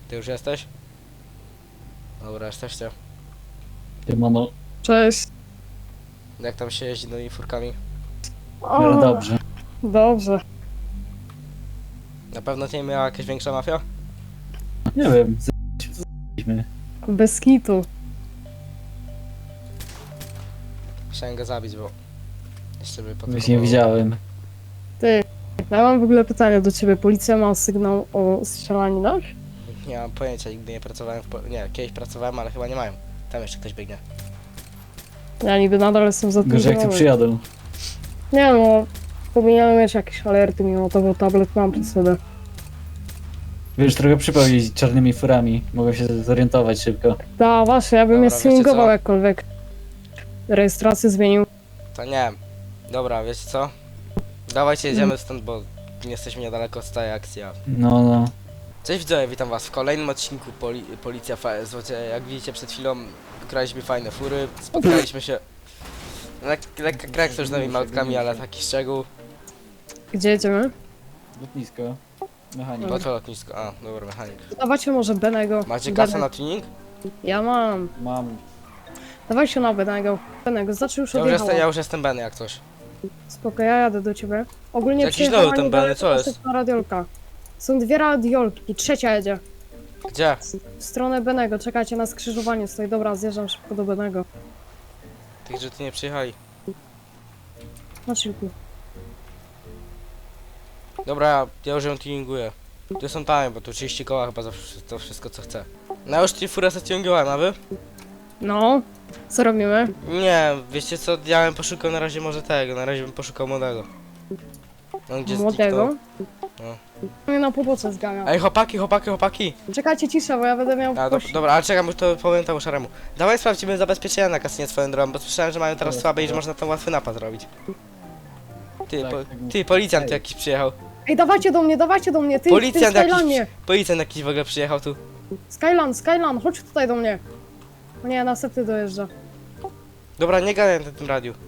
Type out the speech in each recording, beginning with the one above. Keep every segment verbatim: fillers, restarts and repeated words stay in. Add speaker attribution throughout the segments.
Speaker 1: Ty już jesteś? Dobra, jesteście.
Speaker 2: Mano,
Speaker 3: Cześć.
Speaker 1: Jak tam się jeździ nowymi furkami?
Speaker 3: O,
Speaker 2: no dobrze.
Speaker 3: Dobrze.
Speaker 1: Na pewno cię miała jakaś większa mafia?
Speaker 2: Nie wiem, z***liśmy.
Speaker 3: Bez kitu.
Speaker 1: Chciałem go zabić, bo... Jeszcze by potem...
Speaker 2: Już nie widziałem.
Speaker 3: Ty, ja mam w ogóle pytanie do ciebie. Policja ma sygnał o strzelaninach?
Speaker 1: Nie mam pojęcia, nigdy nie pracowałem w... Po... Nie, kiedyś pracowałem, ale chyba nie mają. Tam jeszcze ktoś biegnie.
Speaker 3: Ja niby nadal jestem za tym.
Speaker 2: Gorzej jak tu przyjadą.
Speaker 3: Nie no, powinienem mieć jakieś alerty mimo to, bo tablet mam przy sobie.
Speaker 2: Wiesz, trochę przypał jeździć czarnymi furami. Mogę się zorientować szybko.
Speaker 3: Da, właśnie, ja bym
Speaker 1: Dobra,
Speaker 3: je
Speaker 1: wiecie
Speaker 3: streamingował
Speaker 1: co?
Speaker 3: jakkolwiek. Rejestrację zmienił.
Speaker 1: To nie wiem. Dobra, wiecie co? Dawajcie, jedziemy stąd, bo nie jesteśmy niedaleko od tej akcji. a-
Speaker 2: No, no.
Speaker 1: Cześć widzowie, witam was w kolejnym odcinku Poli Policja F S. Jak widzicie, przed chwilą graliśmy fajne fury, spotkaliśmy się... Lek lekka krak z różnymi małtkami, ale taki szczegół.
Speaker 3: Gdzie jedziemy?
Speaker 2: Lotnisko. Mechanik.
Speaker 1: Łatwe lotnisko, a, dobra, mechanik.
Speaker 3: Dawajcie może Benego.
Speaker 1: Macie
Speaker 3: Benek.
Speaker 1: kasę na tuning?
Speaker 3: Ja mam.
Speaker 2: Mam.
Speaker 3: Dawajcie na Benego. Benego, znaczy już
Speaker 1: Ja już,
Speaker 3: odjechało.
Speaker 1: jestem, ja już jestem Benny jak coś.
Speaker 3: Spoko, ja jadę do ciebie. Ogólnie
Speaker 1: Jakiś
Speaker 3: przyjechała
Speaker 1: nowy ten
Speaker 3: niedaleko
Speaker 1: Benny, co jest?
Speaker 3: następna radiolka. Są dwie radiolki, trzecia jedzie.
Speaker 1: Gdzie?
Speaker 3: W stronę Benego, czekajcie na skrzyżowanie stoi. Dobra, zjeżdżam szybko do Benego.
Speaker 1: Tych, że ty nie przyjechali.
Speaker 3: Na chillku.
Speaker 1: Dobra, ja, ja już ją tuninguję. Tu są tanie, bo tu trzydzieści koła chyba za wsz- to wszystko co chcę. No już ci furę zatuningowałem, a wy?
Speaker 3: No, co robimy?
Speaker 1: Nie, wiecie co, ja bym poszukał na razie może tego, na razie bym poszukał młodego. No gdzie
Speaker 3: Młodego?
Speaker 1: No.
Speaker 3: Mnie na pobocze zgania.
Speaker 1: Ej, chłopaki, chłopaki, chłopaki!
Speaker 3: Czekajcie cisza, bo ja będę miał
Speaker 1: A, do,
Speaker 3: kości.
Speaker 1: dobra, ale czekam, już to powiem temu szaremu. Dawaj sprawdzimy zabezpieczenia na kasynie swoją drogą, bo słyszałem, że mają teraz
Speaker 2: Dobra,
Speaker 1: słabe i że
Speaker 2: dobra.
Speaker 1: można tam łatwy napad zrobić. Ty,
Speaker 2: Tak,
Speaker 1: po,
Speaker 2: tak
Speaker 1: ty,
Speaker 2: mówię.
Speaker 1: policjant tu
Speaker 2: Ej.
Speaker 1: jakiś przyjechał.
Speaker 3: Ej, dawajcie do mnie, dawajcie do mnie, ty,
Speaker 1: Policjant
Speaker 3: ty
Speaker 1: jakiś,
Speaker 3: Skylanie.
Speaker 1: policjant jakiś w ogóle przyjechał tu.
Speaker 3: Skylan, Skylan, chodź tutaj do mnie. O nie, następny dojeżdża.
Speaker 1: Dobra, nie gadaj na tym radiu.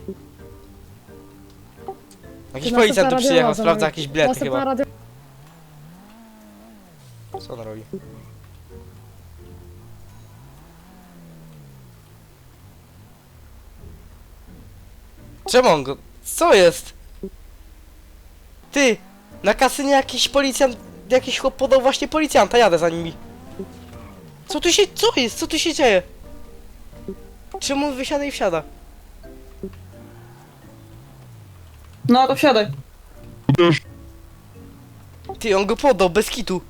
Speaker 1: Jakiś
Speaker 3: Ty,
Speaker 1: policjant tu
Speaker 3: następna
Speaker 1: przyjechał,
Speaker 3: radiola za
Speaker 1: sprawdza
Speaker 3: nami.
Speaker 1: jakieś bilety
Speaker 3: Następna
Speaker 1: chyba.
Speaker 3: radio...
Speaker 1: Co on robi? Czemu on go... Co jest? Ty! Na kasynie jakiś policjant... Jakiś chłop podał właśnie policjanta, jadę za nimi. Co tu się... Co jest? Co tu się dzieje? Czemu on wysiada i wsiada?
Speaker 4: No to wsiadaj.
Speaker 1: Ty, on go podał, bez kitu.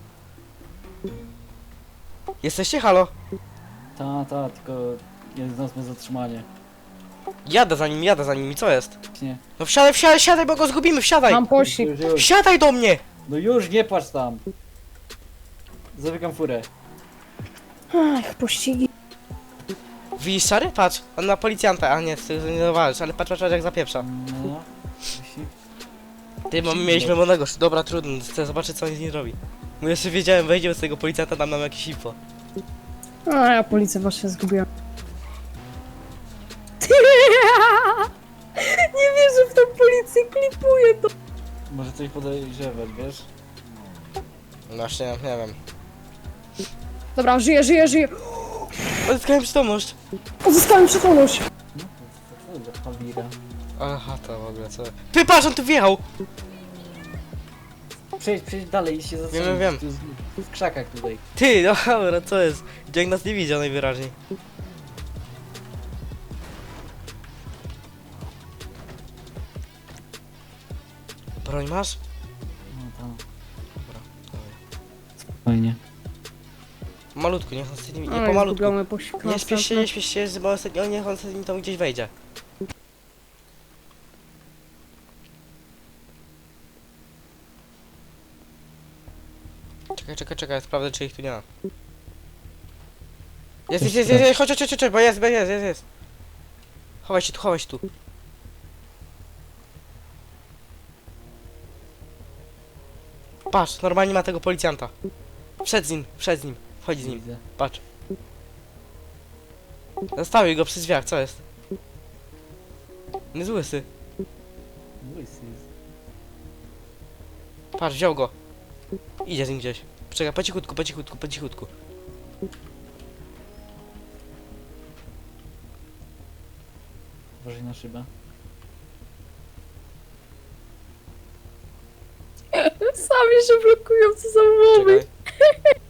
Speaker 1: Jesteście, halo?
Speaker 2: Ta, ta, tylko jeden z nas ma zatrzymanie.
Speaker 1: Jadę za nim, jadę za nimi, co jest?
Speaker 2: Nie.
Speaker 1: No wsiadaj, wsiadaj, wsiadaj, bo go zgubimy, wsiadaj!
Speaker 3: Mam pościg.
Speaker 2: Już, już.
Speaker 1: Wsiadaj do mnie!
Speaker 2: No już, nie płacz tam. Zamykam furę.
Speaker 3: Ach, pościgi.
Speaker 1: Widzisz, szary? Patrz, on na policjanta, a nie, ty nie zawalisz, ale patrz, patrz, patrz jak zapieprza.
Speaker 2: No. Musi-
Speaker 1: Ty, bo my mieliśmy młodego, dobra, trudno, chcę zobaczyć co on z nim robi. Bo jeszcze wiedziałem, wejdziemy z tego policjanta, dam nam jakieś info.
Speaker 3: A ja policję właśnie zgubiłem. Nie wierzę w tą policję, klipuję to.
Speaker 2: Może coś podejrzewać, wiesz?
Speaker 1: Właśnie, nie wiem.
Speaker 3: Dobra, żyję, żyję, żyję.
Speaker 1: Odzyskałem przytomność.
Speaker 3: Uzyskałem przytomność.
Speaker 2: No, to co za pawira.
Speaker 1: Aha, to w ogóle co... Ty, patrz, on tu wjechał!
Speaker 2: Przejdź, przejdź dalej i się zatrzymaj.
Speaker 1: Wiem, wiem.
Speaker 2: Tu jest- W krzakach tutaj.
Speaker 1: Ty, no dobra, co jest? Dzięk nas nie widział najwyraźniej. Broń masz?
Speaker 2: No tam.
Speaker 1: Dobra, dawaj.
Speaker 2: Fajnie.
Speaker 1: Malutku, niech on sobie nie, nie
Speaker 3: Oj,
Speaker 1: pomalutku.
Speaker 3: zgubiony pościg
Speaker 1: Nie śpiesz się,
Speaker 3: następny.
Speaker 1: nie śpiesz się, bo on sobie, niech on sobie tam gdzieś wejdzie. Czekaj, czekaj, czekaj, sprawdzę czy ich tu nie ma. Jest, jest, jest, jest, jest, chodź, chodź, chodź, chodź, bo jest, bo jest, jest, jest. Chowaj się tu, chowaj się tu. Patrz, normalnie ma tego policjanta. Przed z nim, przed z nim, chodź z nim,
Speaker 2: Widzę.
Speaker 1: patrz. Zostawił go przy drzwiach, co jest? Nie jest łysy.
Speaker 2: Łysy jest.
Speaker 1: Patrz, wziął go. Idzie z nim gdzieś. Czekaj, po cichutku, po cichutku, po cichutku.
Speaker 2: Uważaj na szybę.
Speaker 3: Sami się blokują, co za mowy.
Speaker 1: Czekaj.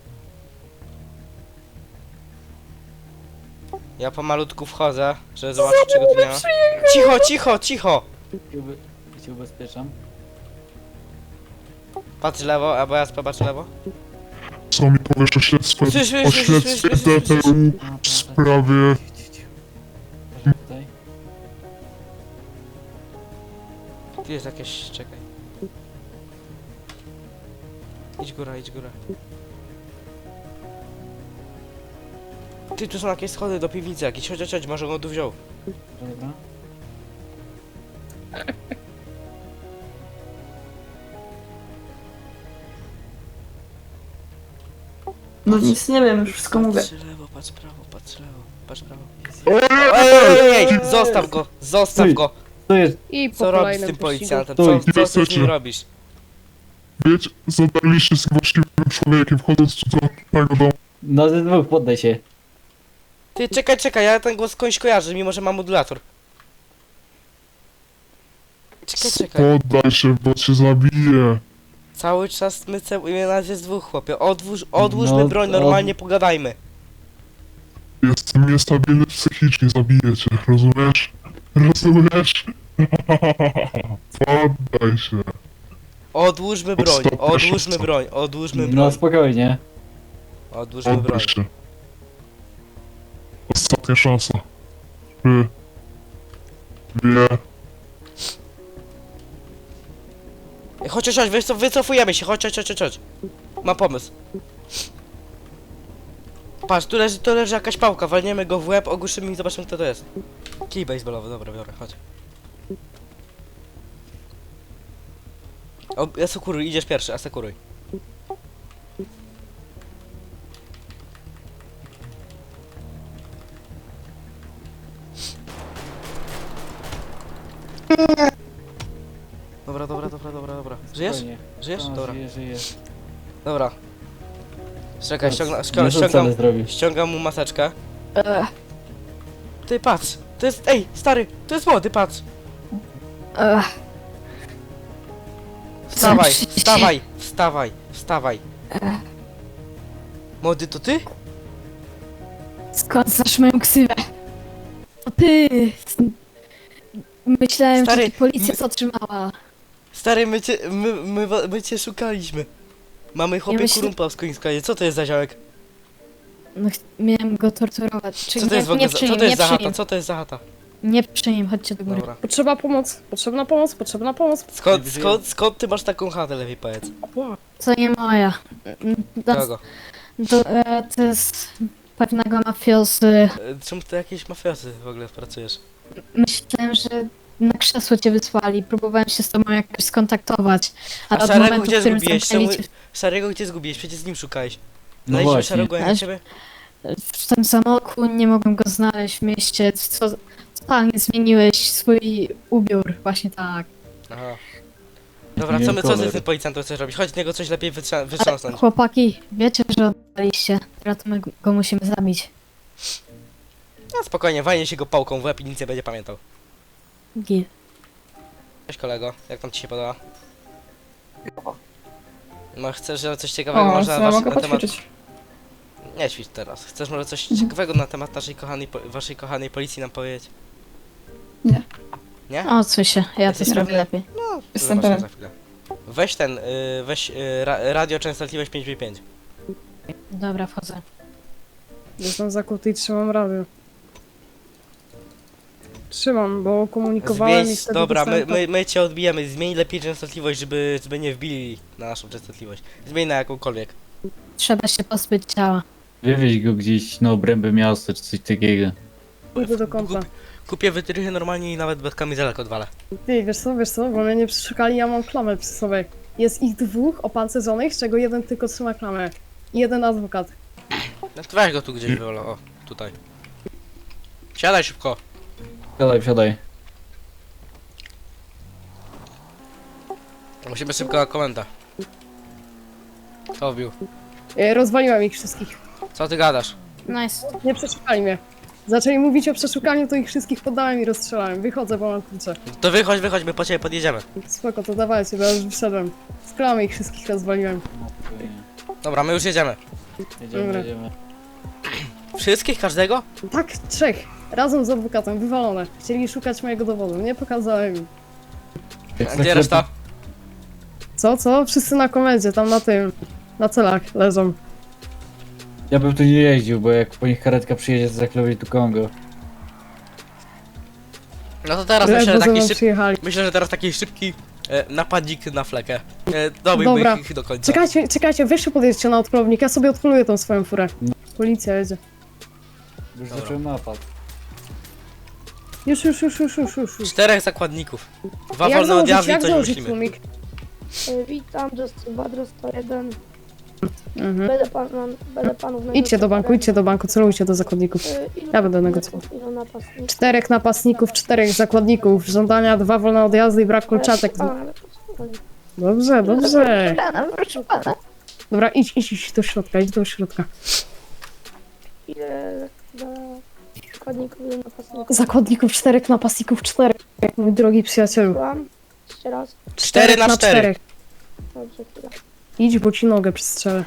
Speaker 1: Ja pomalutku wchodzę, żeby zobaczyć czego tu nie ma. Cicho, cicho, cicho!
Speaker 2: I ube... I cię ubezpieczam.
Speaker 1: Patrz lewo, albo ja popatrz lewo.
Speaker 5: Co mi powiesz o śledztwie,
Speaker 1: Słysz, słysz,
Speaker 5: o
Speaker 1: słysz,
Speaker 5: śledztwie
Speaker 1: słysz, słysz, słysz,
Speaker 5: D T U
Speaker 2: A,
Speaker 5: w sprawie...
Speaker 2: Cicho, cicho, cicho. Uważaj tutaj.
Speaker 1: Tu jest jakieś, czekaj. Idź góra, idź góra. Ty, tu są jakieś schody do piwnicy jakieś, chodź, chodź, chodź, może go tu wziął.
Speaker 2: Dobra, dobra.
Speaker 4: No nic nie wiem, już wszystko mówię.
Speaker 1: Patrz lewo, patrz prawo, patrz lewo, patrz prawo. Ej, ej, ej, ej, zostaw go, zostaw
Speaker 2: Stój.
Speaker 1: go!
Speaker 2: Tu jest.
Speaker 3: I po
Speaker 1: Co robisz z
Speaker 3: kolejnym
Speaker 1: tym
Speaker 3: pościgu.
Speaker 1: policjantem?
Speaker 2: Stój.
Speaker 1: Co, co ty z nim
Speaker 5: Niebezpiecznie.
Speaker 1: robisz?
Speaker 5: Wiecie, zadarliście z właściwym człowiekiem, wchodząc tu do tego domu.
Speaker 2: No ze dwóch, poddaj się.
Speaker 1: Ty, czekaj, czekaj, ja ten głos skądś kojarzę, mimo że mam modulator. Czekaj, czekaj.
Speaker 5: Poddaj się, bo cię zabiję.
Speaker 1: Cały czas my celujemy nas jest dwóch, chłopie. Odłóż, odłóżmy
Speaker 2: No,
Speaker 1: broń,
Speaker 2: od-
Speaker 1: normalnie pogadajmy.
Speaker 5: Jestem niestabilny psychicznie, zabiję cię, rozumiesz? Rozumiesz? Poddaj się.
Speaker 1: Odłóżmy broń,
Speaker 5: Stop, proszę,
Speaker 1: odłóżmy
Speaker 5: stop.
Speaker 1: broń, odłóżmy
Speaker 2: No
Speaker 1: broń,
Speaker 2: spokojnie.
Speaker 1: odłóżmy broń.
Speaker 5: Poddaj się. Ostatnia szansa. Trzy. Dwie.
Speaker 1: Ej, Chodź, chodź, chodź, wycof- wycofujemy się, chodź, chodź, chodź, chodź, chodź. Mam pomysł. Patrz, tu leży, tu leży jakaś pałka, walniemy go w łeb, ogłuszymy i zobaczymy kto to jest. Kij baseballowy, dobra, biorę, chodź. O, asekuruj, idziesz pierwszy, asekuruj. Dobra, dobra, dobra, dobra, dobra. Żyjesz?
Speaker 2: Spokojnie.
Speaker 1: Żyjesz?
Speaker 2: No,
Speaker 1: Dobra,
Speaker 2: Żyję, żyję.
Speaker 1: dobra. Czekaj, ściągam,
Speaker 2: Nie
Speaker 1: ściągam,
Speaker 2: rzucę,
Speaker 1: ściągam,
Speaker 2: ale zrobił.
Speaker 1: ściągam mu maseczkę.
Speaker 3: Ech,
Speaker 1: Ty patrz, to jest, ej, stary, to jest młody, patrz.
Speaker 3: ech.
Speaker 1: Wstawaj,
Speaker 3: Zamknij się.
Speaker 1: wstawaj, wstawaj, wstawaj. Młody, to ty?
Speaker 6: Skąd znasz moją ksywę? To ty! Myślałem,
Speaker 1: Stary,
Speaker 6: że cię policja
Speaker 1: my-
Speaker 6: zatrzymała.
Speaker 1: Stary, my cię, my, my, wa- my cię szukaliśmy. Mamy chłopie
Speaker 6: myślę-
Speaker 1: kurumpa w Skońskiej, co to jest za ziołek?
Speaker 6: No, ch- miałem go torturować. Czy
Speaker 1: Co to
Speaker 6: nie,
Speaker 1: jest w ogóle
Speaker 6: nie
Speaker 1: za,
Speaker 6: przy
Speaker 1: co
Speaker 6: nim,
Speaker 1: to jest
Speaker 6: nie
Speaker 1: za
Speaker 6: przy
Speaker 1: chata,
Speaker 6: nim.
Speaker 1: co to jest za chata?
Speaker 6: Nie przy nim, chodźcie do góry.
Speaker 1: Dobra.
Speaker 3: Potrzeba pomoc, potrzebna pomoc, potrzebna pomoc.
Speaker 1: Skąd, skąd, skąd ty masz taką chatę, lepiej powiedz?
Speaker 3: Ła.
Speaker 6: To nie moja. To,
Speaker 1: Kogo?
Speaker 6: to, e, to jest pewnego mafiosy.
Speaker 1: E, Czemu ty jakieś mafiosy w ogóle pracujesz?
Speaker 6: Myślałem, że na krzesło cię wysłali. Próbowałem się z tobą jakoś skontaktować. Ale
Speaker 1: A
Speaker 6: od
Speaker 1: Szarego
Speaker 6: momentu,
Speaker 1: gdzie
Speaker 6: w którym
Speaker 1: zgubiłeś?
Speaker 6: zamknęli
Speaker 1: Czemu-
Speaker 6: cię
Speaker 1: Szarego gdzie zgubiłeś? Przecież z nim szukałeś.
Speaker 2: No
Speaker 1: Znaleźliśmy
Speaker 2: właśnie.
Speaker 1: Szarego jak
Speaker 6: Aż-
Speaker 1: ciebie?
Speaker 6: w tym samoku, nie mogłem go znaleźć w mieście. Co, totalnie zmieniłeś swój ubiór. Właśnie tak.
Speaker 1: Aha. Dobra,
Speaker 2: Nie
Speaker 1: co my, co ty
Speaker 2: kolor.
Speaker 1: z tym policjantem chcesz robić? Chodź z niego coś lepiej wytrza- wytrząsnąć.
Speaker 6: Chłopaki, wiecie, że oddaliście. Teraz to my go musimy zabić.
Speaker 1: No spokojnie, walnie się go pałką w łeb i nic nie będzie pamiętał.
Speaker 6: Gil.
Speaker 1: Cześć kolego, jak tam ci się podoba? No chcesz, że coś ciekawego
Speaker 4: O,
Speaker 1: może
Speaker 4: co
Speaker 1: na,
Speaker 4: ja
Speaker 1: wasz,
Speaker 4: mogę
Speaker 1: na temat...
Speaker 4: poćwiczyć?
Speaker 1: Nie ćwicz teraz. Chcesz może coś
Speaker 4: Mhm.
Speaker 1: ciekawego na temat naszej kochanej, po- waszej kochanej policji nam powiedzieć?
Speaker 4: Nie.
Speaker 1: Nie?
Speaker 6: Odsuń się, ja to
Speaker 1: Jesteś
Speaker 6: zrobię
Speaker 1: pewny?
Speaker 6: lepiej.
Speaker 1: No,
Speaker 4: Jestem
Speaker 1: zobaczymy
Speaker 4: pewien.
Speaker 1: za chwilę. Weź ten, y, weź y, ra, radio częstotliwość pięć pięć pięć.
Speaker 6: Dobra, wchodzę.
Speaker 3: Jestem zakuty i trzymam radio. Trzymam, bo komunikowałem
Speaker 1: Zmień,
Speaker 3: i wtedy
Speaker 1: dobra, my,
Speaker 3: dostałem to-
Speaker 1: my, my cię odbijemy, zmień lepiej częstotliwość, żeby, żeby nie wbili na naszą częstotliwość. Zmień na jakąkolwiek.
Speaker 6: Trzeba się pozbyć ciała.
Speaker 2: Wywieź go gdzieś na obręby miasta czy coś takiego.
Speaker 3: Idę do kąta.
Speaker 1: Kup- Kupię wytrychy normalnie i nawet bez kamizelek odwalę.
Speaker 3: Ty, wiesz co, wiesz co, bo mnie nie przeszukali, ja mam klamę przy sobie. Jest ich dwóch opancerzonych, z czego jeden tylko trzyma klamę. I jeden adwokat.
Speaker 1: No to weź go tu gdzieś wywolę, o, tutaj. Siadaj szybko.
Speaker 2: Wsiadaj, wsiadaj.
Speaker 1: Musimy szybko na komendę. Co wbił?
Speaker 3: E, Rozwaliłem ich wszystkich.
Speaker 1: Co ty gadasz?
Speaker 6: Nice.
Speaker 3: Nie przeszukali mnie. Zaczęli mówić o przeszukaniu, to ich wszystkich poddałem i rozstrzelałem. Wychodzę, bo mam klucze.
Speaker 1: To wychodź, wychodź, my po ciebie podjedziemy.
Speaker 3: Spoko, to dawajcie, bo ja już wyszedłem. Z klamy ich wszystkich rozwaliłem.
Speaker 1: Dobra, my już jedziemy.
Speaker 2: Jedziemy,
Speaker 3: Dobra.
Speaker 2: jedziemy.
Speaker 1: Wszystkich? Każdego?
Speaker 3: Tak, trzech. Razem z adwokatem, wywalone. Chcieli szukać mojego dowodu, nie pokazałem im.
Speaker 1: A gdzie reszta?
Speaker 3: Co, co? Wszyscy na komendzie, tam na tym. Na celach leżą.
Speaker 2: Ja bym tu nie jeździł, bo jak po nich karetka przyjedzie, to zaklepi tu Kongo.
Speaker 1: No to teraz myślę,
Speaker 3: Ledwo
Speaker 1: że
Speaker 3: ze
Speaker 1: taki
Speaker 3: mną
Speaker 1: szyb...
Speaker 3: przyjechali.
Speaker 1: Myślę, że teraz taki szybki e, napadzik na flekę. E, Dobyłby
Speaker 3: Dobra.
Speaker 1: ich do końca.
Speaker 3: Czekajcie, czekajcie, weźcie podjedźcie na odpłownik, ja sobie odholuję tą swoją furę. Policja jedzie.
Speaker 2: Już
Speaker 1: Dobra.
Speaker 2: zacząłem napad.
Speaker 3: Już, już, już, już, już, już. już.
Speaker 1: Czterech zakładników. Dwa
Speaker 3: Jak
Speaker 1: wolne
Speaker 3: założyć,
Speaker 1: odjazdy i
Speaker 3: jak
Speaker 1: to nie
Speaker 3: założyć
Speaker 1: myślimy.
Speaker 3: tłumik?
Speaker 7: E, Witam, Justin Badro sto jeden.
Speaker 3: Mhm.
Speaker 7: Będę, pan, będę panów
Speaker 3: Idźcie do banku, idźcie do banku, celujcie do zakładników.
Speaker 7: E, ilu-
Speaker 3: Ja będę negocjował.
Speaker 7: Ilu napastników?
Speaker 3: Czterech napastników, czterech zakładników, żądania, dwa wolne odjazdy i brak kolczatek.
Speaker 7: A, ale proszę
Speaker 3: Dobrze, dobrze.
Speaker 7: pana, proszę pana.
Speaker 3: Dobra, idź, idź, idź do środka, idź do środka.
Speaker 7: Ile za zakładników, ilu napastników?
Speaker 3: Zakładników czterech, napastników czterech. Mój drogi przyjacielu.
Speaker 7: Słucham? Jeszcze raz.
Speaker 1: Cztery na cztery.
Speaker 7: Dobrze, chwila.
Speaker 3: Idź, bo ci nogę przystrzelę.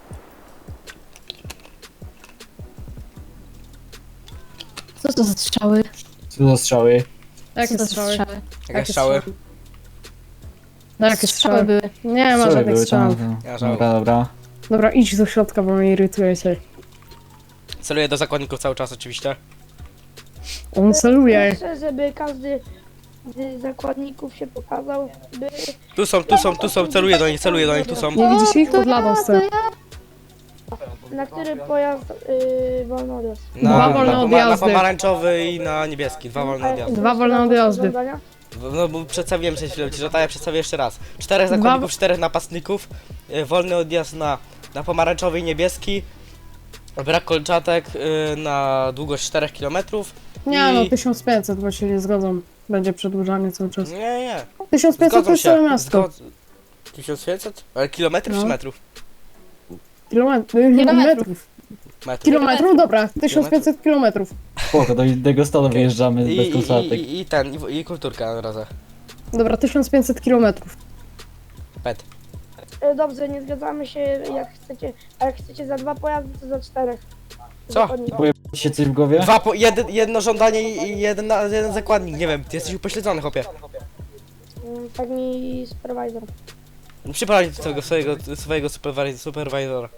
Speaker 6: Co to za strzały?
Speaker 2: Co za strzały?
Speaker 6: Co
Speaker 3: Jakie
Speaker 6: to za
Speaker 3: strzały?
Speaker 1: Jakie
Speaker 3: Jakie
Speaker 1: strzały?
Speaker 3: No, jakie strzały?
Speaker 6: były.
Speaker 3: Nie ma
Speaker 2: Strzały
Speaker 3: żadnych
Speaker 2: były tam,
Speaker 3: strzałów.
Speaker 2: to-
Speaker 1: Ja żałuję.
Speaker 2: Dobra, dobra.
Speaker 3: Dobra, idź do środka, bo mnie irytujecie.
Speaker 1: Celuję do zakładników cały czas oczywiście.
Speaker 3: On celuje.
Speaker 7: Proszę, żeby każdy z zakładników się pokazał, by...
Speaker 1: Tu są, tu są, tu są, celuję do nich, celuję do nich, tu są.
Speaker 3: Nie widzisz ich? Pod ladą stoją.
Speaker 7: Na który pojazd yy, wolno odjazd?
Speaker 1: Na,
Speaker 3: Dwa wolne
Speaker 1: na, poma- na
Speaker 3: odjazdy.
Speaker 1: pomarańczowy i na niebieski. Dwa wolne
Speaker 7: A
Speaker 1: odjazdy.
Speaker 3: Dwa wolne odjazdy.
Speaker 7: żądania?
Speaker 1: No bo przedstawiłem przed chwilą ci, że tak, ja przedstawię jeszcze raz. Czterech zakładników, czterech napastników, y, wolny odjazd na, na pomarańczowy i niebieski, brak kolczatek y, na długość czterech kilometrów.
Speaker 3: Nie no,
Speaker 1: I-
Speaker 3: tysiąc pięćset, bo się nie zgodzą. Będzie przedłużanie cały czas.
Speaker 1: Nie, nie,
Speaker 3: tysiąc pięćset to
Speaker 1: zgodzą
Speaker 3: jest całe
Speaker 1: się.
Speaker 3: miasto.
Speaker 1: Zgod... tysiąc pięćset? Ale kilometrów
Speaker 3: No.
Speaker 1: czy metrów?
Speaker 3: Kilometrów. Kilometrów.
Speaker 1: Metrów.
Speaker 3: Kilometrów, dobra. tysiąc pięćset kilometrów.
Speaker 2: Spoko, do innego stanu wyjeżdżamy
Speaker 1: I,
Speaker 2: bez
Speaker 1: i,
Speaker 2: koncertek.
Speaker 1: i, I ten, i, i kulturka na razie.
Speaker 3: Dobra, tysiąc pięćset kilometrów.
Speaker 1: Pet.
Speaker 7: E, Dobrze, nie zgadzamy się jak chcecie, a jak chcecie za dwa pojazdy, to za czterech.
Speaker 1: Co?
Speaker 7: Zakładników.
Speaker 2: Powie się coś w głowie?
Speaker 1: Dwa po, jeden, jedno żądanie i jeden, na- jeden zakładnik, nie wiem, ty jesteś upośledzony, chłopie.
Speaker 7: Mm, Tak mi supervisor.
Speaker 1: Przyprowadź do tego swojego, swojego superwi- supervisora.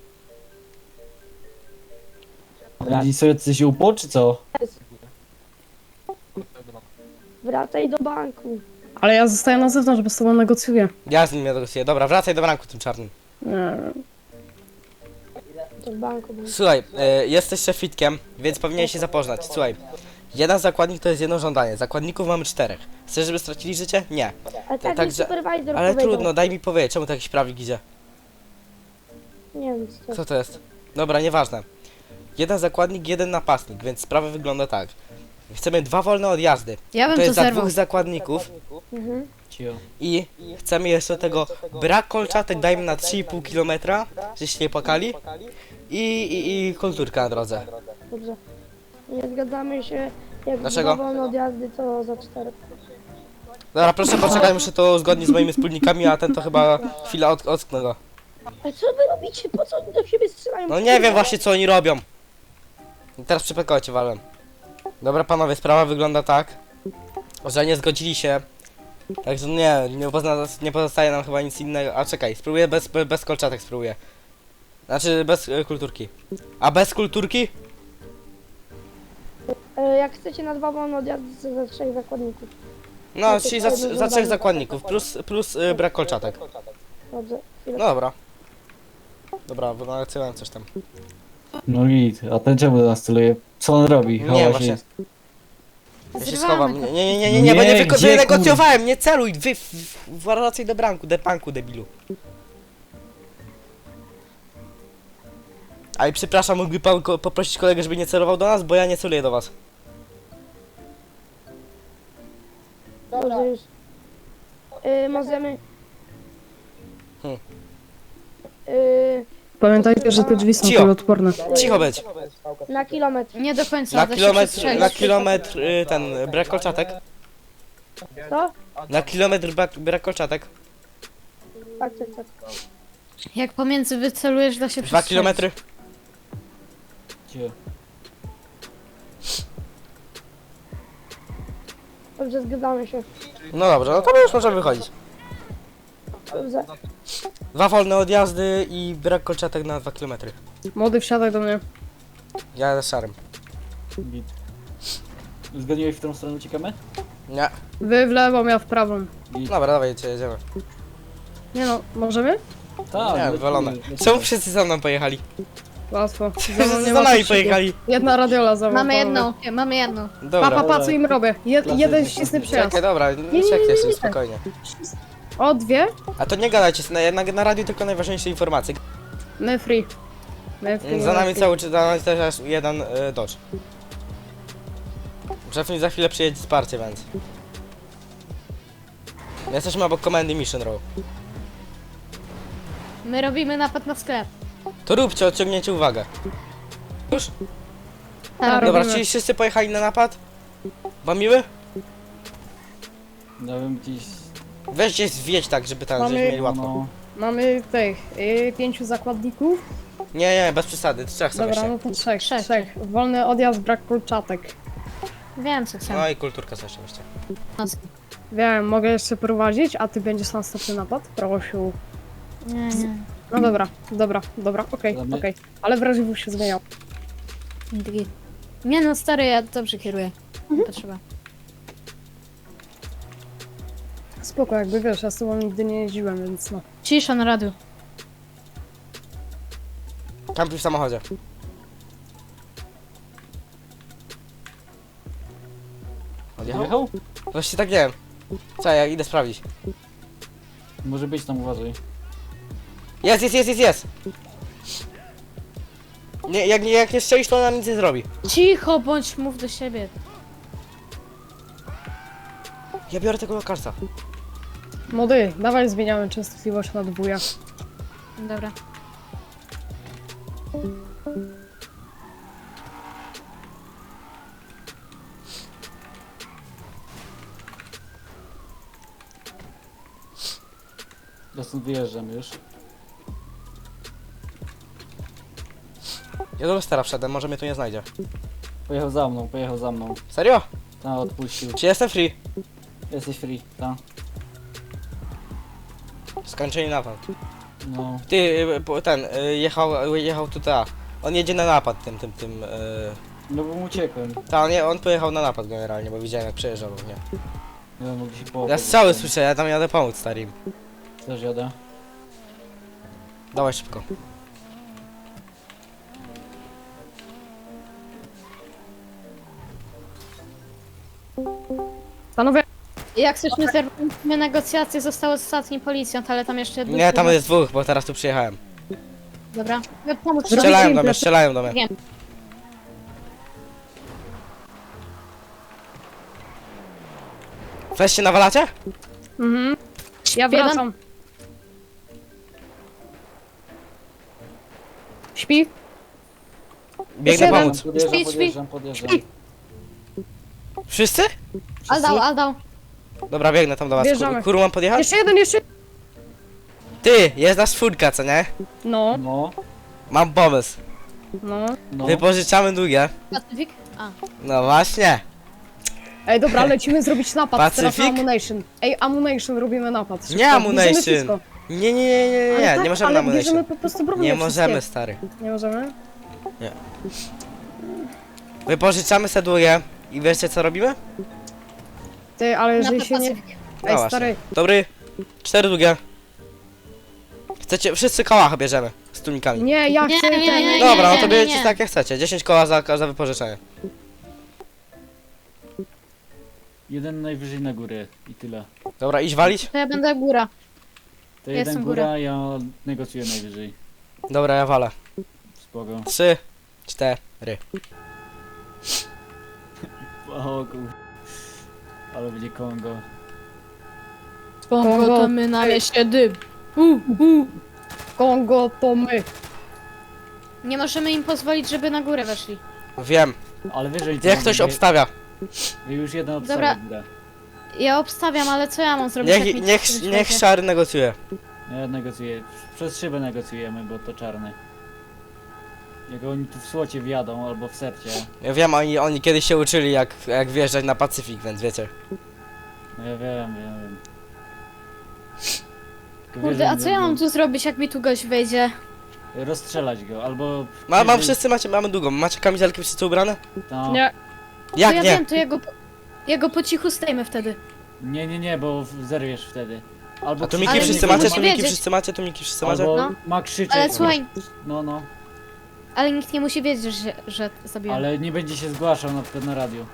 Speaker 2: Oni sobie coś upło, czy co?
Speaker 7: Wracaj do banku.
Speaker 3: Ale ja zostaję na zewnątrz, bo z tobą negocjuję.
Speaker 1: Ja z nim negocjuję. Dobra, wracaj do banku tym czarnym.
Speaker 3: Nie wiem.
Speaker 7: To w banku. był.
Speaker 1: Słuchaj, e, jesteś szefitkiem, więc powinieneś się zapoznać. Słuchaj, jeden zakładnik to jest jedno żądanie. Zakładników mamy czterech. Chcesz, żeby stracili życie? Nie.
Speaker 7: Ale tak mi
Speaker 1: także-
Speaker 7: supervisor
Speaker 1: Ale
Speaker 7: powiedział.
Speaker 1: trudno, daj mi powiedzieć, czemu to jakiś prawnik idzie?
Speaker 7: Nie wiem co.
Speaker 1: Co to jest? Dobra, nieważne. Jeden zakładnik, jeden napastnik, więc sprawa wygląda tak. Chcemy dwa wolne odjazdy.
Speaker 6: Ja bym
Speaker 1: To
Speaker 6: to
Speaker 1: jest za
Speaker 6: zerwał.
Speaker 1: dwóch zakładników
Speaker 7: Mhm.
Speaker 2: Cio.
Speaker 1: i chcemy jeszcze tego brak kolczatek dajmy na trzy i pół kilometra, żeście nie płakali. I, i, i kulturka na drodze.
Speaker 7: Dobrze. Nie zgadzamy się. Jak
Speaker 1: Dlaczego?
Speaker 7: dwa wolne odjazdy, to za cztery.
Speaker 1: Dobra, proszę poczekaj, muszę to uzgodnić z moimi wspólnikami, a ten to chyba chwila od, ocknę go.
Speaker 7: Ale co wy robicie? Po co oni do siebie strzelają?
Speaker 1: No nie wiem właśnie co oni robią. I teraz przypekało cię walem. Dobra panowie, sprawa wygląda tak, że nie zgodzili się. Także nie, nie, pozna, nie pozostaje nam chyba nic innego. A czekaj, spróbuję bez, be- bez kolczatek spróbuję. Znaczy bez e, kulturki. A bez kulturki?
Speaker 7: E, Jak chcecie na dwa wolne odjazdy, to za trzech zakładników.
Speaker 1: No, czyli za, za trzech zakładników, plus, plus e, brak kolczatek.
Speaker 7: Dobrze. Chwilę.
Speaker 1: No dobra. Dobra, wynalazłem coś tam.
Speaker 2: No git, a ten czemu do nas celuje? Co on robi?
Speaker 1: Nie,
Speaker 2: Chowa
Speaker 1: właśnie.
Speaker 2: się.
Speaker 1: Ja się
Speaker 6: Zrywamy
Speaker 1: schowam.
Speaker 6: to.
Speaker 1: Nie, nie, nie, nie, nie, bo nie,
Speaker 2: Nie,
Speaker 1: wyko-
Speaker 2: gdzie,
Speaker 1: wynegocjowałem, nie celuj, wy, w, w, wracaj do branku, do banku, debilu. Ale przepraszam, mógłby pan ko- poprosić kolegę, żeby nie celował do nas, bo ja nie celuję do was.
Speaker 7: Dobrze już. E, możemy...
Speaker 1: Hmm.
Speaker 7: Yy,
Speaker 3: Pamiętajcie, że te drzwi są
Speaker 1: Cicho.
Speaker 3: kuloodporne.
Speaker 1: Cicho być.
Speaker 7: na kilometr.
Speaker 6: Nie do końca,
Speaker 1: Na
Speaker 6: da się
Speaker 1: kilometr,
Speaker 6: przestrzelić.
Speaker 1: na kilometr y, ten, brak kolczatek.
Speaker 7: Co?
Speaker 1: Na kilometr brak, brak kolczatek.
Speaker 7: Tak, tak, tak.
Speaker 6: Jak pomiędzy wycelujesz, da się
Speaker 1: Dwa
Speaker 6: przestrzelić.
Speaker 1: kilometry.
Speaker 2: Cicho.
Speaker 7: Dobrze, zgadzamy się.
Speaker 1: No dobrze, no to my już możemy wychodzić.
Speaker 7: Dobrze.
Speaker 1: Dwa wolne odjazdy i brak kolczatek na dwa kilometry.
Speaker 3: Młody, wsiadaj do mnie.
Speaker 1: Ja z szarym.
Speaker 2: Git. Zgadniłeś, w którą stronę uciekamy?
Speaker 1: Nie.
Speaker 3: Wy w lewą, ja w prawą.
Speaker 2: Git.
Speaker 1: Dobra, dawaj, jedziemy.
Speaker 3: Nie no, możemy?
Speaker 2: Tak,
Speaker 1: Nie,
Speaker 2: lecimy,
Speaker 1: wywalone.
Speaker 2: lecimy.
Speaker 1: Czemu wszyscy za mną pojechali?
Speaker 3: Łatwo.
Speaker 1: Wszyscy
Speaker 3: nie
Speaker 1: za
Speaker 3: ma
Speaker 1: nami
Speaker 3: co
Speaker 1: pojechali.
Speaker 3: Jedna radiola za mną.
Speaker 6: Mamy
Speaker 3: panowie.
Speaker 6: jedną, nie, mamy jedną.
Speaker 3: Pa,
Speaker 1: Dobra.
Speaker 3: pa, pa, co im robię? Je,
Speaker 2: Klasycznie,
Speaker 3: jeden ścisny
Speaker 2: klasycznie.
Speaker 3: przejazd.
Speaker 1: Czekaj, dobra,
Speaker 3: nie,
Speaker 1: nie
Speaker 3: nie,
Speaker 1: czekaj
Speaker 3: nie,
Speaker 1: się,
Speaker 3: nie.
Speaker 1: spokojnie.
Speaker 3: O, dwie?
Speaker 1: A to nie gadajcie, na, na, na radiu tylko najważniejsze informacje.
Speaker 3: My free. My free.
Speaker 1: Za
Speaker 3: my
Speaker 1: nami
Speaker 3: free.
Speaker 1: cały czas, za nami też jeden y, Dodge. Szefnik za chwilę przyjedzie wsparcie, więc... Jesteśmy obok komendy Mission Row.
Speaker 6: My robimy napad na sklep.
Speaker 1: To róbcie, odciągnięcie uwagę. Już?
Speaker 3: Tak,
Speaker 1: Dobra,
Speaker 3: robimy.
Speaker 1: czyli wszyscy pojechali na napad? Bamiły?
Speaker 2: Ja bym gdzieś...
Speaker 1: Weźcie zwiedź tak, żeby tam
Speaker 3: Mamy-
Speaker 1: żeśmy mieli łatwo.
Speaker 2: No,
Speaker 3: Mamy tych y, pięciu zakładników.
Speaker 1: Nie, nie, bez przesady, trzech są
Speaker 3: Dobra,
Speaker 1: jeszcze.
Speaker 3: no to trzech,
Speaker 6: Trzech.
Speaker 3: trzech. Wolny odjazd, brak kolczatek.
Speaker 6: Wiem co chcę.
Speaker 1: No i kulturka coś jeszcze.
Speaker 3: Wiem, mogę jeszcze prowadzić, a ty będziesz następny napad? Prosiu.
Speaker 6: Nie, nie.
Speaker 3: No dobra, dobra, dobra, okej,
Speaker 2: Dobra.
Speaker 3: okej. Ale wrażliwość się zmieniał.
Speaker 6: Drugi. Nie no, stary, ja dobrze kieruję. Nie potrzeba.
Speaker 3: Spoko, jakby wiesz, ja z tobą nigdy nie jeździłem, więc no.
Speaker 6: Cisza na radiu.
Speaker 1: Kampi w samochodzie. Odjechał?
Speaker 2: jechał?
Speaker 1: Właściwie tak nie wiem. Co, ja idę sprawdzić.
Speaker 2: Może być tam, uważaj.
Speaker 1: Jest, jest, jest, jest, jest! Nie, jak, nie- jak nie strzelisz, to nam nic nie zrobi.
Speaker 6: Cicho bądź, mów do siebie.
Speaker 1: Ja biorę tego lokalca.
Speaker 3: Młody, dawaj zmieniamy częstotliwość na dwójach.
Speaker 6: Dobra.
Speaker 2: Ja stąd wyjeżdżam już.
Speaker 1: Ja do Lestera wszedłem, może mnie tu nie znajdzie.
Speaker 2: Pojechał za mną, pojechał za mną.
Speaker 1: Serio?
Speaker 2: Ta, odpuścił.
Speaker 1: Czy jestem free?
Speaker 2: Jesteś free, ta.
Speaker 1: Skończenie napad.
Speaker 2: No.
Speaker 1: Ty, y, po- ten, y, jechał, y, jechał tutaj. On jedzie na napad tym, tym, tym, y...
Speaker 2: No bo mu uciekłem.
Speaker 1: Ta, nie, on pojechał na napad generalnie, bo widziałem jak przejeżdżał, nie.
Speaker 2: Nie wiem, mogli się położyć.
Speaker 1: Ja strzały słyszę, ja tam jadę pomóc starim.
Speaker 2: Też jadę.
Speaker 1: Dawaj szybko.
Speaker 3: Panowie,
Speaker 6: Jak chcesz, my zerwaliśmy negocjacje, został ostatni policjant, ale tam jeszcze...
Speaker 1: Nie, tam jest dwóch, bo teraz tu przyjechałem.
Speaker 6: Dobra. Ja pomóc
Speaker 3: Zrobicie
Speaker 1: Strzelają do
Speaker 3: im
Speaker 1: mnie,
Speaker 3: plecy-
Speaker 1: strzelają do mnie.
Speaker 6: Wiem.
Speaker 1: Weź się nawalacie?
Speaker 3: mhm. Ja
Speaker 6: Jeden.
Speaker 3: wracam. Śpi?
Speaker 1: Biegnę
Speaker 3: jeden.
Speaker 1: pomóc.
Speaker 2: Podjeżdżam,
Speaker 6: Śpi, śpi.
Speaker 2: podjeżdżam, podjeżdżam.
Speaker 3: Śpi.
Speaker 1: Wszyscy?
Speaker 6: Aldał, aldał.
Speaker 1: Dobra, biegnę tam do was.
Speaker 3: Wjeżdżamy.
Speaker 1: Kur- Kuru, mam podjechać?
Speaker 3: Jeszcze jeden, jeszcze...
Speaker 1: Ty, jest nas czwórka, co nie?
Speaker 3: No,
Speaker 2: No,
Speaker 1: Mam pomysł.
Speaker 3: no.
Speaker 2: no.
Speaker 1: Wypożyczamy długie.
Speaker 6: Pacyfik? A.
Speaker 1: No właśnie.
Speaker 3: Ej, dobra, lecimy zrobić napad teraz na
Speaker 1: Pacyfik?
Speaker 3: Ammunition. Ej, Ammunition, robimy napad. Szybko,
Speaker 1: Nie Ammunition.
Speaker 3: bierzemy wszystko.
Speaker 1: Nie, nie, nie, nie,
Speaker 3: Ale
Speaker 1: nie,
Speaker 3: tak,
Speaker 1: nie możemy
Speaker 3: ale
Speaker 1: na ammunition.
Speaker 3: bierzemy po prostu broń
Speaker 1: Nie
Speaker 3: wszystkie.
Speaker 1: możemy, stary.
Speaker 3: Nie możemy?
Speaker 1: Wypożyczamy se długie i wiecie co robimy?
Speaker 3: Ty, ale jeżeli
Speaker 6: Na
Speaker 3: się nie...
Speaker 6: Pacyfik.
Speaker 1: No
Speaker 3: Ej,
Speaker 1: właśnie.
Speaker 3: stary,
Speaker 1: Dobry. Cztery długie. Chcecie, wszyscy kołacha bierzemy z tłumikami.
Speaker 3: nie, ja
Speaker 6: Nie,
Speaker 3: chcę
Speaker 6: nie,
Speaker 3: ten...
Speaker 6: nie,
Speaker 1: Dobra, no
Speaker 6: nie,
Speaker 1: to
Speaker 6: nie,
Speaker 1: bierzecie
Speaker 6: nie.
Speaker 1: tak jak chcecie. dziesięć koła za, za wypożyczenie.
Speaker 2: Jeden najwyżej na górę i tyle.
Speaker 1: Dobra, idź walić?
Speaker 6: To ja będę góra.
Speaker 2: To
Speaker 6: Ja
Speaker 2: jeden
Speaker 6: jestem
Speaker 2: góra, ja negocjuję najwyżej.
Speaker 1: Dobra, ja walę.
Speaker 2: Spoko.
Speaker 1: Trzy, cztery.
Speaker 2: O kur... Ale będzie Kongo.
Speaker 6: Kongo to my na mieście dym. Uh, uh.
Speaker 3: Kongo to my.
Speaker 6: Nie możemy im pozwolić, żeby na górę weszli.
Speaker 1: Wiem.
Speaker 2: Ale wiesz, że oni to
Speaker 1: Niech
Speaker 2: mogą,
Speaker 1: ktoś
Speaker 2: wy-
Speaker 1: obstawia.
Speaker 2: wy już jeden
Speaker 6: Dobra.
Speaker 2: obstawia górę.
Speaker 6: Ja obstawiam, ale co ja mam zrobić? jak
Speaker 1: Niech,
Speaker 6: mi
Speaker 1: niech,
Speaker 6: ktoś
Speaker 1: niech
Speaker 6: wejdzie?
Speaker 1: szary negocjuje.
Speaker 2: Ja negocjuję. Przez szybę negocjujemy, bo to czarny. Jak oni tu w słocie wjadą, albo w sercie.
Speaker 1: Ja wiem, oni, oni kiedyś się uczyli jak, jak wjeżdżać na Pacyfik, więc wiecie.
Speaker 2: No ja wiem, wiem, wiem. Tylko wiesz,
Speaker 6: Kurde,
Speaker 2: że
Speaker 6: a
Speaker 2: oni
Speaker 6: co ja mam
Speaker 2: będą
Speaker 6: tu zrobić, jak mi tu gość wejdzie?
Speaker 2: Rozstrzelać go, albo...
Speaker 1: Ma, mam
Speaker 2: jeżeli-
Speaker 1: wszyscy macie, mamy długą. Macie kamizelki wszyscy ubrane?
Speaker 2: No.
Speaker 3: Nie.
Speaker 1: Jak
Speaker 6: to ja
Speaker 1: nie?
Speaker 6: wiem, to jego, jego po cichu zdejmę wtedy.
Speaker 2: Nie, nie, nie, bo w- zerwiesz wtedy. Albo
Speaker 1: A tu
Speaker 2: krzyczy-
Speaker 1: miki
Speaker 6: Ale
Speaker 1: wszyscy
Speaker 6: nikt nie
Speaker 1: macie,
Speaker 6: musi
Speaker 1: tu miki
Speaker 6: wiedzieć.
Speaker 1: wszyscy macie, tu miki wszyscy macie?
Speaker 2: Albo
Speaker 6: No.
Speaker 2: ma krzyczeć.
Speaker 6: Ale słuchaj,
Speaker 2: No, no.
Speaker 6: ale nikt nie musi wiedzieć, że, że zabiłem.
Speaker 2: Ale nie będzie się zgłaszał na przykład na radiu.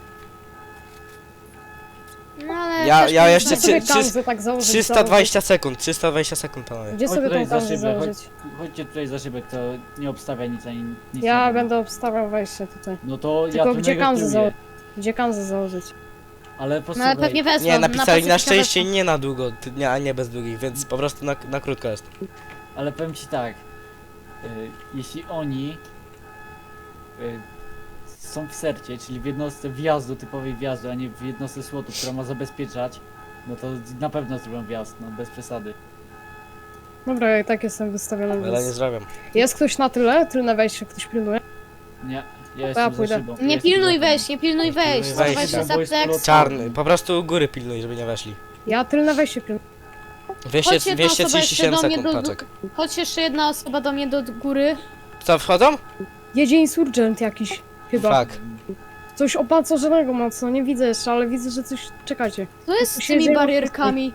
Speaker 6: No ale
Speaker 1: Ja-
Speaker 6: też
Speaker 1: ja
Speaker 6: nie
Speaker 1: jeszcze
Speaker 3: Gdzie
Speaker 6: znajdę.
Speaker 1: trzy-
Speaker 3: sobie
Speaker 1: trzy-
Speaker 3: kamzę tak założyć?
Speaker 1: trzysta dwadzieścia sekund, trzysta dwadzieścia sekund panowie.
Speaker 3: Gdzie
Speaker 2: Chodź
Speaker 3: sobie
Speaker 2: tutaj
Speaker 3: tą
Speaker 2: za
Speaker 3: kamzę
Speaker 2: szybę, chodź,
Speaker 3: założyć?
Speaker 2: chodźcie tutaj za szybę, kto nie obstawia nic ani nic. nie
Speaker 3: Ja
Speaker 2: robi.
Speaker 3: będę obstawiał wejście tutaj.
Speaker 2: No to ja
Speaker 3: Tylko
Speaker 2: tu
Speaker 3: gdzie kamzę
Speaker 2: negocjuję.
Speaker 3: założyć? Gdzie kamzę założyć?
Speaker 2: Ale
Speaker 6: No
Speaker 2: posłuchaj,
Speaker 6: ale pewnie wezmą.
Speaker 1: Nie, napisali na
Speaker 6: Pacyfika
Speaker 1: szczęście
Speaker 6: wezmą.
Speaker 1: nie na długo, ty- nie, a nie bez długich, więc po prostu na, na krótko jest.
Speaker 2: ale powiem ci tak. Y, jeśli oni y, są w sercie, czyli w jednostce wjazdu, typowej wjazdu, a nie w jednostce słotu, która ma zabezpieczać, no to na pewno zrobią wjazd, no bez przesady.
Speaker 3: Dobra, ja i tak jestem wystawiony,
Speaker 1: Ale nie
Speaker 3: więc...
Speaker 1: zrobię.
Speaker 3: Jest ktoś na tyle? Tylne wejście ktoś pilnuje?
Speaker 2: Nie, ja jestem za
Speaker 3: pójdę.
Speaker 2: szybą. ja
Speaker 6: Nie
Speaker 2: jestem
Speaker 6: pilnuj
Speaker 2: za szybą.
Speaker 6: wejść, nie pilnuj wejść.
Speaker 1: pilnuj
Speaker 6: Schowaj
Speaker 1: wejścia.
Speaker 6: się za
Speaker 2: Bo jest
Speaker 6: pleks.
Speaker 2: plot-
Speaker 1: Czarny, po prostu góry pilnuj, żeby nie weszli.
Speaker 3: Ja tylne wejście pilnuję.
Speaker 1: dwieście,
Speaker 6: Chodź jedna
Speaker 1: dwieście
Speaker 6: osoba
Speaker 1: trzydzieści
Speaker 6: jeszcze
Speaker 1: siedem
Speaker 6: do mnie
Speaker 1: sekund,
Speaker 6: do...
Speaker 1: paczek.
Speaker 6: Chodź jeszcze jedna osoba do mnie do góry.
Speaker 1: Co, wchodzą?
Speaker 3: Jedzie insurgent jakiś, chyba.
Speaker 1: Fuck.
Speaker 3: Coś opancerzonego mocno, nie widzę jeszcze, ale widzę, że coś... Czekajcie.
Speaker 6: Co jest z
Speaker 3: się
Speaker 6: tymi
Speaker 3: dzieje?
Speaker 6: barierkami?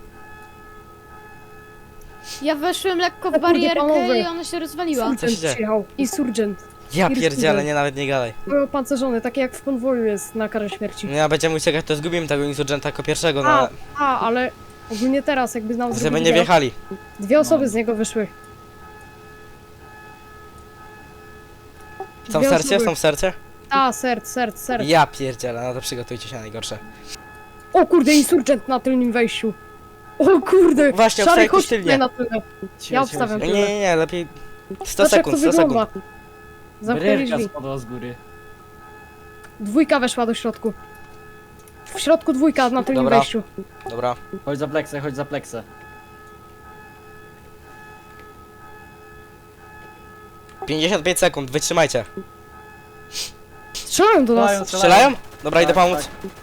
Speaker 6: Ja weszłem lekko w
Speaker 3: kurde,
Speaker 6: barierkę
Speaker 3: panowie.
Speaker 6: i ona się rozwaliła.
Speaker 1: Co się
Speaker 3: Insurgent
Speaker 1: dzieje?
Speaker 3: przyjechał. Insurgent.
Speaker 1: Ja
Speaker 3: First
Speaker 1: pierdzielę,
Speaker 3: Leader.
Speaker 1: nie nawet nie gadaj.
Speaker 3: Były opancerzony, takie jak w konwoju jest na karę śmierci.
Speaker 1: Ja będziemy uciekać, to zgubimy tego insurgenta jako pierwszego, no
Speaker 3: A,
Speaker 1: ale
Speaker 3: a, ale ogólnie teraz jakby nam
Speaker 1: żeby
Speaker 3: zrobili
Speaker 1: nie
Speaker 3: wjazd,
Speaker 1: wjechali.
Speaker 3: dwie osoby
Speaker 2: No.
Speaker 3: z niego wyszły.
Speaker 1: Są w
Speaker 3: Dwie
Speaker 1: sercie?
Speaker 3: osoby.
Speaker 1: Są w sercie?
Speaker 3: A, serc, serc, serc.
Speaker 1: Ja pierdzielę, no to przygotujcie się na najgorsze.
Speaker 3: O kurde, insurgent na tylnym wejściu. O kurde,
Speaker 1: Właśnie,
Speaker 3: szary,
Speaker 1: obstawiaj
Speaker 3: chodź
Speaker 1: tylnie.
Speaker 3: tutaj na tyle.
Speaker 2: Cicho,
Speaker 3: Ja
Speaker 2: cicho,
Speaker 3: obstawiam.
Speaker 2: cicho.
Speaker 1: Nie, nie, nie, lepiej sto
Speaker 3: Zobacz, jak
Speaker 1: sekund,
Speaker 3: to
Speaker 1: sto
Speaker 3: wygląda.
Speaker 1: sekund.
Speaker 3: Zamknęli
Speaker 2: Barierka
Speaker 3: drzwi.
Speaker 2: spadła z góry.
Speaker 3: Dwójka weszła do środku. W środku dwójka na tylnym
Speaker 1: Dobra.
Speaker 3: wejściu.
Speaker 1: Dobra.
Speaker 2: Chodź za pleksę, chodź za pleksę.
Speaker 1: pięćdziesiąt pięć sekund, wytrzymajcie.
Speaker 3: Strzelają do nas.
Speaker 2: Strzelają,
Speaker 1: Strzelają? Dobra, idę
Speaker 2: Tak,
Speaker 1: pomóc.
Speaker 2: tak.